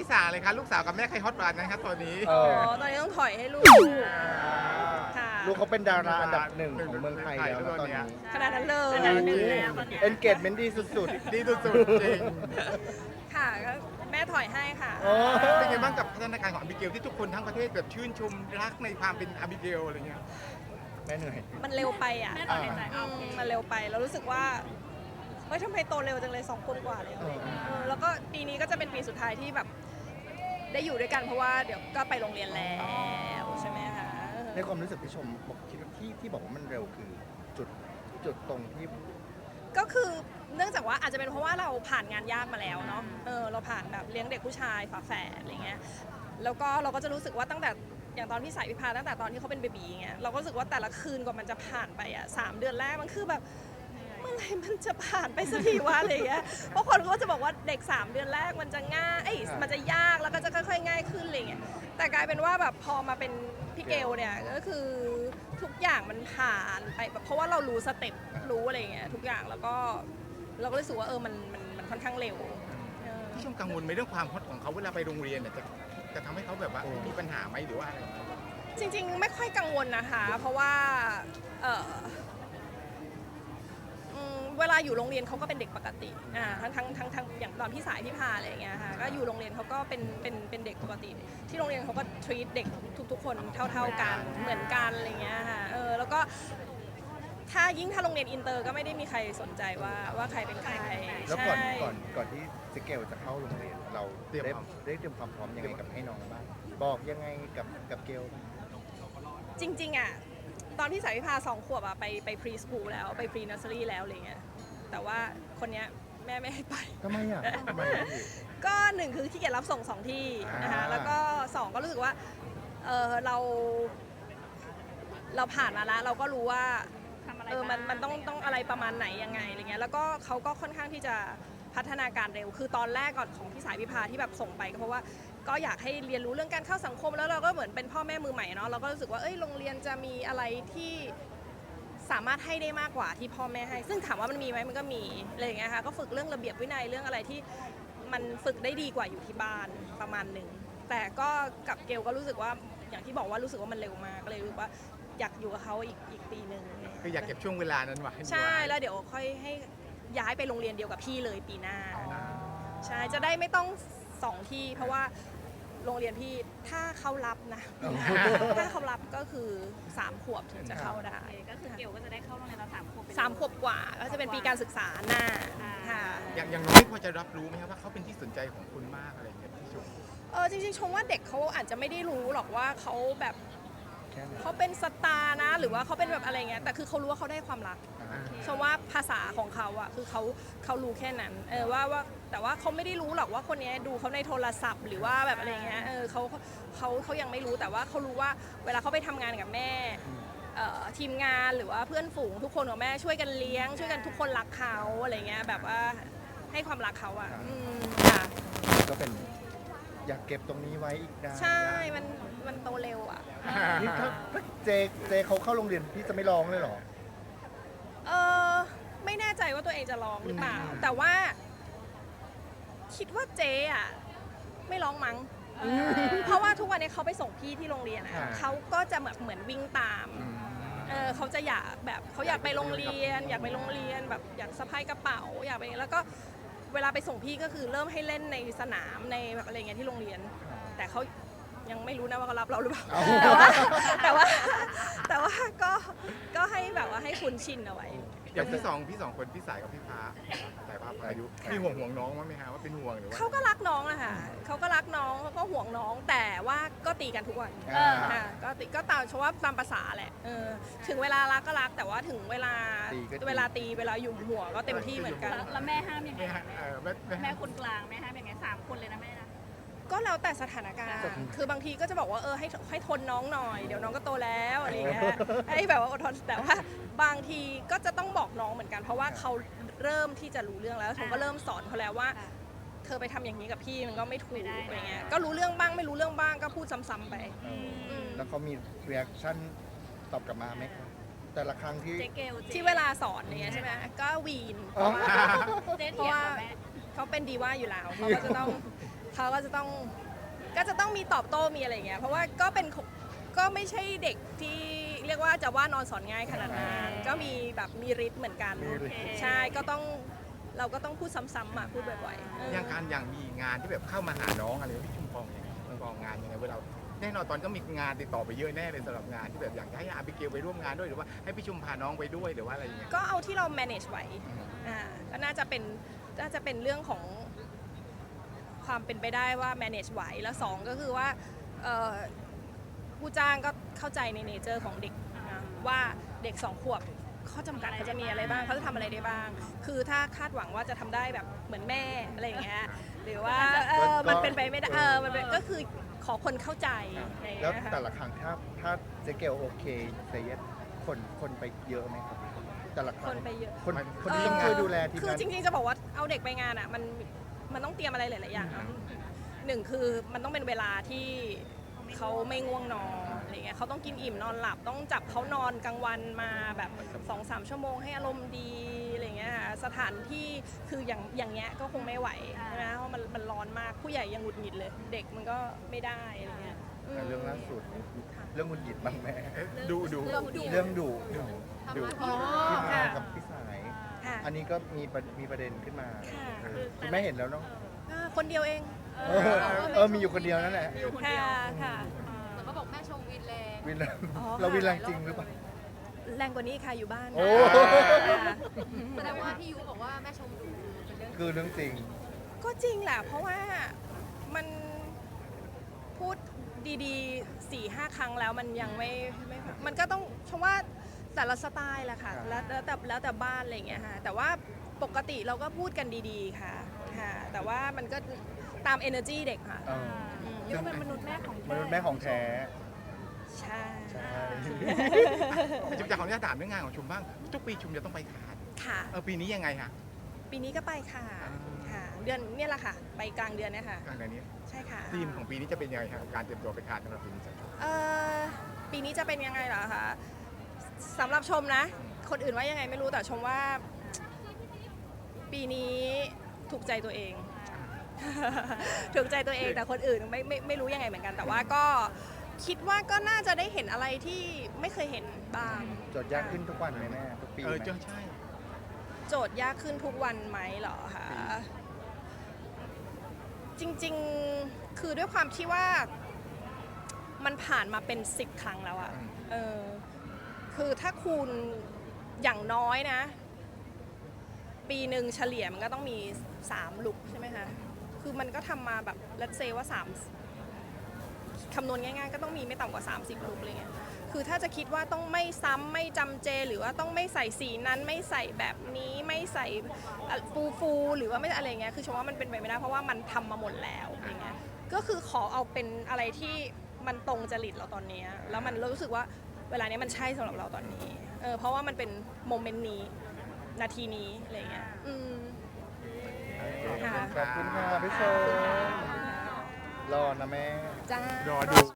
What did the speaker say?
สาเลยครับลูกสาวกับแม่ใครฮอตกว่ากันครับตอนนี้ตอนนี้ต้องถอยให้ลูกค่ะลูกเขาเป็นดาราอันดับหนึ่งของเมืองไทยแล้วนะตอนนี้ขนาดนั้นเลยเอนเกจเมนต์ดีสุดดีสุดๆจริงค่ะก็แม่ถอยให้ค่ะๆโอ้เป็นไงบ้างกับพัฒนาการของอาบิเกลที่ทุกคนทั้งประเทศแบบชื่นชมรักในความเป็นอาบิเกลอะไรเงี้ยแม่เหนื่อยมันเร็วไปอ่ะมันเร็วไปแล้วรู้สึกว่าเฮ้ยทำไมโตเร็วจังเลย2 คนกว่าเลยแล้วก็ปีนี้ก็จะเป็นปีสุดท้ายที่แบบได้อยู่ด้วยกันเพราะว่าเดี๋ยวก็ไปโรงเรียนแล้วใช่ไหมคะในความรู้สึกพี่ชมบอกคิดว่าที่บอกว่ามันเร็วคือจุดตรงที่ก็คือเนื่องจากว่าอาจจะเป็นเพราะว่าเราผ่านงานยากมาแล้วเนาะเราผ่านแบบเลี้ยงเด็กผู้ชายฝาแฝดอะไรเงี้ยแล้วก็เราก็จะรู้สึกว่าตั้งแต่อย่างตอนพี่สายพิพาตั้งแต่ตอนที่เขาเป็นเบบีเงี้ยเราก็รู้สึกว่าแต่ละคืนกว่ามันจะผ่านไปอ่ะ3 เดือนแรกมันคือแบบเมื่อไหร่มันจะผ่านไปสักทีวะอะไรเงี้ยเพราะคนก็จะบอกว่าเด็ก3 เดือนแรกมันจะง่ายมันจะยากแล้วก็จะค่อยๆง่ายขึ้นอะไรเงี้ยแต่กลายเป็นว่าแบบพอมาเป็นพี่เกลเนี่ยก็คือทุกอย่างมันผ่านไปแบบเพราะว่าเรารู้สเต็ปรู้อะไรเงี้ยทุกอย่างแล้วก็เราก็รู้สึกว่ามันค่อนข้างเร็วพี่ชมกังวลไหมเรื่องความฮอตของเขาเวลาไปโรงเรียนเนี่ยจะทำให้เขาแบบว่ามีปัญหาไหมหรือว่าอะไรจริงๆไม่ค่อยกังวลนะคะเพราะว่าเวลาอยู่โรงเรียนเขาก็เป็นเด็กปกติทั้งอย่างตอนพี่สายพี่พาอะไรอย่างเงี้ยค่ะก็อยู่โรงเรียนเขาก็เป็นเด็กปกติ ที่โรงเรียนเขาก็ treat เด็กทุกๆคนเท่ากันเหมือนกันอะไรเงี้ยค่ะแล้วก็ถ้าโรงเรียนอินเตอร์ก็ไม่ได้มีใครสนใจว่าใครเป็นใครแล้วก่อนที่เจเกลจะเข้าโรงเรียนเราเตรียมได้เตรียมความพร้อมยังไงกับให้น้องบ้างบอกยังไงกับเกลจริงๆอ่ะตอนพี่สายพิพา2 ขวบอ่ะไปพรีสคูลแล้วไปพรีเนอร์เซอรี่แล้วอะไรเงี้ยแต่ว่าคนเนี้ยแม่ไม่ให้ไปทำไมอ่ะทำไมอ่ะพี่ก็1คือขี้เกียจรับส่ง2 ที่นะคะแล้วก็2ก็รู้สึกว่าเราผ่านมาแล้วเราก็รู้ว่ามันต้องอะไรประมาณไหนยังไงอะไรเงี้ยแล้วก็เขาก็ค่อนข้างที่จะพัฒนาการเร็วคือตอนแรกก่อนของพี่สายพิพาที่แบบส่งไปก็เพราะว่าก็อยากให้เรียนรู้เรื่องการเข้าสังคมแล้วเราก็เหมือนเป็นพ่อแม่มือใหม่เนาะเราก็รู้สึกว่าโรงเรียนจะมีอะไรที่สามารถให้ได้มากกว่าที่พ่อแม่ให้ซึ่งถามว่ามันมีไหมมันก็มีอะไรอย่างเงี้ยค่ะก็ฝึกเรื่องระเบียบวินัยเรื่องอะไรที่มันฝึกได้ดีกว่าอยู่ที่บ้านประมาณหนึ่งแต่ก็กับเกลก็รู้สึกว่าอย่างที่บอกว่ารู้สึกว่ามันเร็วมากเลยรู้สึกว่าอยากอยู่กับเขาอีกปีหนึ่งคืออยากเก็บช่วงเวลานั้นไว้ใช่แล้วเดี๋ยวค่อยให้ย้ายไปโรงเรียนเดียวกับพี่เลยปีหน้าใช่จะได้ไม่ต้อง2 ที่เพราะว่าโรงเรียนพี่ถ้าเขารับนะ ถ้าเขารับก็คือ3 ขวบถึงจะเข้าได้ก็คือเกลก็จะได้เข้าโรงเรียนตอน3 ขวบ 3 ขวบกว่าก็จะเป็นปีการศึกษาหน้าค่ะอย่างน้อยพอจะรับรู้ไหมครับว่าเขาเป็นที่สนใจของคุณมากอะไรเงี้ยพี่ชมจริงๆชมว่าเด็กเขาอาจจะไม่ได้รู้หรอกว่าเขาแบบแค่นั้นเขาเป็นสตาร์นะหรือว่าเขาเป็นแบบอะไรเงี้ยแต่คือเขารู้ว่าเขาได้ความรักชมว่าภาษาของเขาอะคือเขารู้แค่นั้นว่าแต่ว่าเขาไม่ได้รู้หรอกว่าคนนี้ดูเขาในโทรศัพท์หรือว่าแบบอะไรเงี้ยเขายังไม่รู้แต่ว่าเขารู้ว่าเวลาเขาไปทำงานกับแม่ทีมงานหรือว่าเพื่อนฝูงทุกคนของแม่ช่วยกันเลี้ยงช่วยกันทุกคนรักเขาอะไรเงี้ยแบบว่าให้ความรักเขาอะค่ะก็เป็นอยากเก็บตรงนี้ไว้อีกนานใช่ มันโตเร็วอะนี่ถ้าเจเขาเข้าโรงเรียนพี่จะไม่ร้องเลยเหรอไม่แน่ใจว่าตัวเองจะร้องหรือเปล่าแต่ว่า คิดว่าเจ๊อะไม่ร้องมั้งเพราะว่าทุกวันนี้เขาไปส่งพี่ที่โรงเรียนอะอ่าเขาก็จะแบบเหมือนวิ่งตามเขาจะอยากแบบเขาอยากไปโรงเรียน อยากไปโรงเรียนแบบอยากสะพายกระเป๋าอยากไปแล้วก็เวลาไปส่งพี่ก็คือเริ่มให้เล่นในสนามในแบบอะไรเงี้ยที่โรงเรียน แต่เขายังไม่รู้นะว่าเขารับเราหรือเปล่าแต่ว่าก็ให้แบบว่าให้คุ้นชินเอาไว้อย่างพี่สองคนพี่สายกับพี่พาสายพาอายุมีห่วงน้องมั้ยไหมฮะว่าเป็นห่วงหรือว่าเขาก็รักน้องนะคะเขาก็รักน้องเขาก็ห่วงน้องแต่ว่าก็ตีกันทุกวันอ่าก็ตามชว่าตามภาษาแหละถึงเวลารักก็รักแต่ว่าถึงเวลาตีก็ตีเวลาตีเวลาหยุมหัวก็เต็มที่เหมือนกันแล้วแม่ห้ามยังไงแม่แม่คนกลางแม่ห้ามยังไง3 คนเลยนะแม่นะก็แล้วแต่สถานการณ์คือบางทีก็จะบอกว่าให้ทนน้องหน่อยเดี๋ยวน้องก็โตแล้วอะไรอย่างเงี้ยให้แบบว่าอดทนแต่ว่าบางทีก็จะต้องบอกน้องเหมือนกัน เพราะว่าเขาเริ่มที่จะรู้เรื่องแล้วผมก็เริ่มสอนเขาแล้วว่า เธอไปทำอย่างนี้กับพี่มันก็ไม่ถูกอะไรเงี้ยก็รู้เรื่องบ้างไม่รู้เรื่องบ้างก็พูดซ้ำๆไปแล้วเขามีรีแอคชั่นตอบกลับมาไหมครับแต่ละครั้งที่เจ๊เกลที่เวลาสอนเนี่ยใช่ไหมก็วีนเพอ๋อราะว่าเจ๊เพเถีราะยงว่ากับแม่เขาเป็นดีว่าอยู่แล้วเขาก็จะต้องทเขาก็จะต้องมีตอบโต้มีอะไรอย่างเงี้ยเพราะว่าก็ไม่ใช่เด็กที่เรียกว่าจะว่านอนสอนง่ายขนาดนั้นก็มีแบบมีฤทธิ์เหมือนกันมีฤทธิ์ใช่เราก็ต้องพูดซ้ำๆอ่ะพูดบ่อยๆอย่างการอย่างมีงานที่แบบเข้ามาหาน้องอะไรพี่ชุมพองยังไงชุมพองงานยังไงเวลาแน่นอนตอนก็มีงานติดต่อไปเยอะแน่เลยสำหรับงานที่แบบอยากจะให้อาบิเกลไปร่วมงานด้วยหรือว่าให้พี่ชุมพาน้องไปด้วยหรือว่าอะไรอย่างเงี้ยก็เอาที่เรา manage ไหวก็น่าจะเป็นเรื่องของความเป็นไปได้ว่า manage ไหวแล้วสองก็คือว่าผู้จ้างก็เข้าใจในเนเจอร์ของเด็กนะว่าเด็ก2 ขวบข้อจำกัดเขาจะมีอะไรบ้างเขาจะทำอะไรได้บ้าง คือถ้าคาดหวังว่าจะทำได้แบบเหมือนแม่อะไรอย่างเงี้ยหรือว่ามันเป็นไปไม่ได้มันเป็นก็คือขอคนเข้าใจอะไรอย่างแล้วเงี้ยค่ะแต่ละครั้งถ้าเจเกลโอเคเซเยสคนไปเยอะไหมครับแต่ละครั้งคนไปเยอะคนที่ต้องช่วยดูแลทีมคืองานจริงๆจะบอกว่าเอาเด็กไปงานอ่ะมันต้องเตรียมอะไรหลายๆอย่างนะหนึ่งคือมันต้องเป็นเวลาที่เขาไม่ง่วงนอนอะไรเงี้ยเขาต้องกินอิ่มนอนหลับต้องจับเขานอนกลางวันมาแบบ 2-3 ชั่วโมงให้อารมณ์ดีอะไรเงี้ยค่ะสถานที่คืออย่างเงี้ยก็คงไม่ไหวใช่ไหมเพราะมันร้อนมากผู้ใหญ่ยังหงุดหงิดเลย เด็กมันก็ไม่ได้อะไรเงี้ยเรื่องล่าสุดเรื่องคุณหยิดบ้างแม่ดูเรื่องดุอ๋อที่มาค่ะกับพี่สายค่ะอันนี้ก็มีประเด็นขึ้นมาค่ะคุณแม่เห็นแล้วเนาะคนเดียวเองมีอยู่คนเดียวนั่นแหละอยู่คนค่ะเดียวค่ะเหมือนเขาบอกแม่ชมวินแรงวินแรงอ๋อเราวินแรงจริงหรือเปล่าแรงกว่านี้ค่ะอยู่บ้านโอ้ค่ะแสดงว่าที่ยูบอกว่าแม่ชมดุเป็นเรื่องคือเรื่องจริงก็จริงแหละ เพราะว่ามันพูดดีๆ4-5 ครั้งแล้วมันยังไม่มันก็ต้องชมว่าแต่ละสไตล์แหละค่ะครับแล้วแต่บ้านอะไรอย่างเงี้ยค่ะแต่ว่าปกติเราก็พูดกันดีๆค่ะค่ะ แต่ว่ามันก็ตาม energy เด็กค่ะเออยูเป็นมนุษย์แม่ของมนุษย์แม่ของแท้ใช่ใช่ชุมจะขออนุญาตถามเรื่องงานของชุมบ้างทุกปีชุมจะต้องไปคานค่ะปีนี้ยังไงฮะปีนี้ก็ไปค่ะค่ะ เดือนเนี่ยแหละค่ะ ไปกลางเดือนเนี่ยค่ะกลางเดือนนี้ใช่ค่ะธีมของปีนี้จะเป็นยังไงครับการเตรียมตัวไปคานสำหรับปีนี้ปีนี้จะเป็นยังไงเหรอคะสำหรับชมนะ คนอื่นว่ายังไงไม่รู้แต่ชมว่า ปีนี้ถูกใจตัวเอง ถูกใจตัวเองแต่คนอื่นไม่รู้ยังไงเหมือนกัน แต่ว่าก็คิดว่าก็น่าจะได้เห็นอะไรที่ไม่เคยเห็นบ้างโจทย์ยากขึ้นทุกวันไหมแม่ทุกปีไหมใช่โจทย์ยากขึ้นทุกวันไหมเหรอคะจริงๆคือด้วยความที่ว่ามันผ่านมาเป็น10 ครั้งแล้วอะคือถ้าคูณอย่างน้อยนะ ปีหนึ่งเฉลี่ยมันก็ต้องมี3 ลุกใช่ไหมคะคือมันก็ทำมาแบบlet's sayว่า3คำนวณง่ายๆก็ต้องมีไม่ต่ำกว่า30 ลุกอะไรเงี้ยคือถ้าจะคิดว่าต้องไม่ซ้ำไม่จำเจหรือว่าต้องไม่ใส่สีนั้นไม่ใส่แบบนี้ไม่ใส่ฟูหรือว่าไม่อะไรเงี้ยคือชมว่ามันเป็นไปไม่ได้เพราะว่ามันทำมาหมดแล้วอย่างเงี้ยก็คือขอเอาเป็นอะไรที่มันตรงจริตเราตอนนี้แล้วมันรู้สึกว่าเวลานี้มันใช่สำหรับเราตอนนี้เพราะว่ามันเป็นโมเมนต์นี้นาทีนี้อะไรเงี้ยค่ะขอบคุณค่ะพี่ชมรอนะแม่จ้ารอดู